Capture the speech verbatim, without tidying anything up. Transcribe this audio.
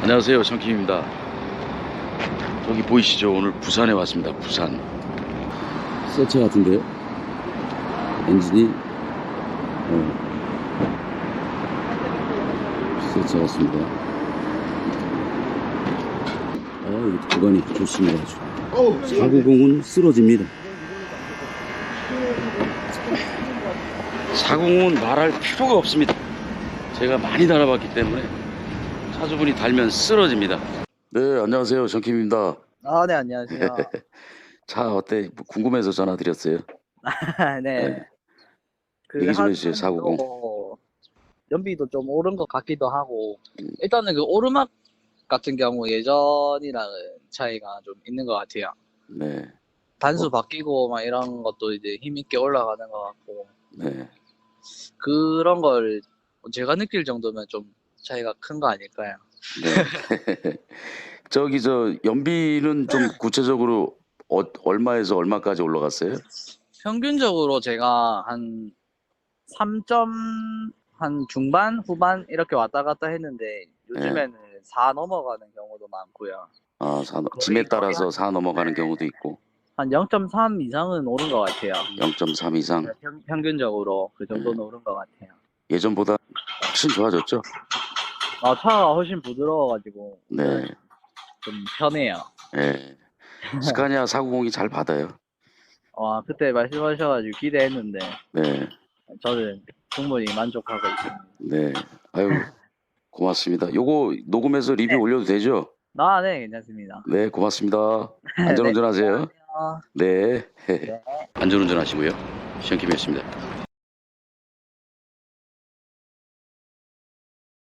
안녕하세요, 정킴입니다. 저기 보이시죠? 오늘 부산에 왔습니다. 부산. 새 차 같은데요? 엔진이 어, 새 차 같습니다. 아, 이 구간이 조심해가지고 사구공은 쓰러집니다. 사구공은 말할 필요가 없습니다. 제가 많이 달아봤기 때문에 차주분이 달면 쓰러집니다. 네, 안녕하세요, 정킴입니다. 아, 네, 안녕하세요. 차 어때? 궁금해서 전화드렸어요. 네. 네. 그 얘기 좀 한 해주세요. 사구공. 또 연비도 좀 오른 것 같기도 하고, 음. 일단은 그 오르막 같은 경우 예전이랑은 차이가 좀 있는 것 같아요. 네. 단수 어? 바뀌고 막 이런 것도 이제 힘있게 올라가는 것 같고, 네. 그런 걸 제가 느낄 정도면 좀 차이가 큰 거 아닐까요? 네. 저기 저 연비는 좀 구체적으로 어, 얼마에서 얼마까지 올라갔어요? 평균적으로 제가 한 삼 점 한 중반, 후반 이렇게 왔다 갔다 했는데 네. 요즘에는 사 넘어가는 경우도 많고요. 아, 사, 짐에 거의 거의 따라서 한, 사 넘어가는 네, 경우도 있고 한 영 점 삼 이상은 오른 것 같아요. 영 점 삼 이상. 네, 평, 평균적으로 그 네. 정도는 오른 것 같아요. 예전보다 훨씬 좋아졌죠? 아, 차가 훨씬 부드러워가지고 운전은 네. 좀 편해요. 네. 스카니아 사구공이 잘 받아요. 와, 그때 말씀하셔가지고 기대했는데 네. 저는 충분히 만족하고 있습니다. 네. 아유, 고맙습니다. 요거 녹음해서 리뷰 네. 올려도 되죠? 아, 네, 괜찮습니다. 네, 고맙습니다. 네, 안전운전 하세요. 안녕하세요. 네. 네. 안전운전 하시고요. 시험킴이었습니다.